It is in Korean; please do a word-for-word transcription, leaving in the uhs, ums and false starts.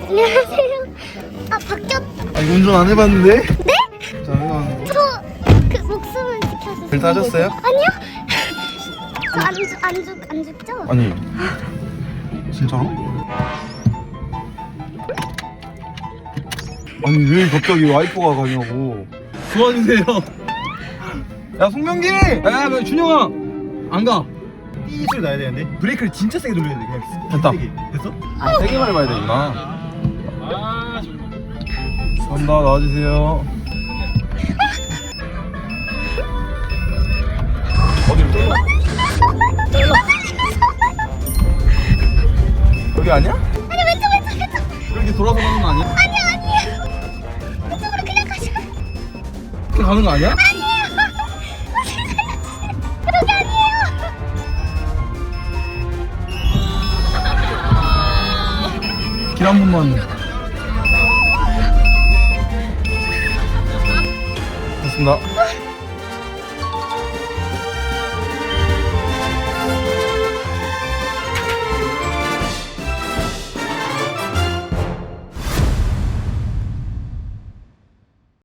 안녕하세요. 아 바뀌었. 아 이거 운전 안 해봤는데? 네? 잠깐. 저 그 목숨을 지켜서. 벨트 하셨어요? 아니요. 저안 죽, 안 죽, 안 죽죠? 아니 진짜로? 아니 왜 갑자기 와이프가 가냐고. 도와주세요. 야 송명기! 야, 뭐, 준영아, 안 가. 삐 소리 나야 되는데 브레이크를 진짜 세게 돌려야 돼. 그냥 됐다. 세게. 됐어? 아, 세게 밟아야 되구나. 아, 감사합니다. 나와주세요. 어디로 쫄라? 여기 아니야? 아니 왼쪽 왼쪽 왼쪽. 이렇게 돌아서 가는 거 아니야? 아니요 아니요. 왼쪽으로 그냥 가시고. 이렇게 가는 거 아니야? 아니에요. 그런 게 아니에요. 길 한 번만. 됐습니다.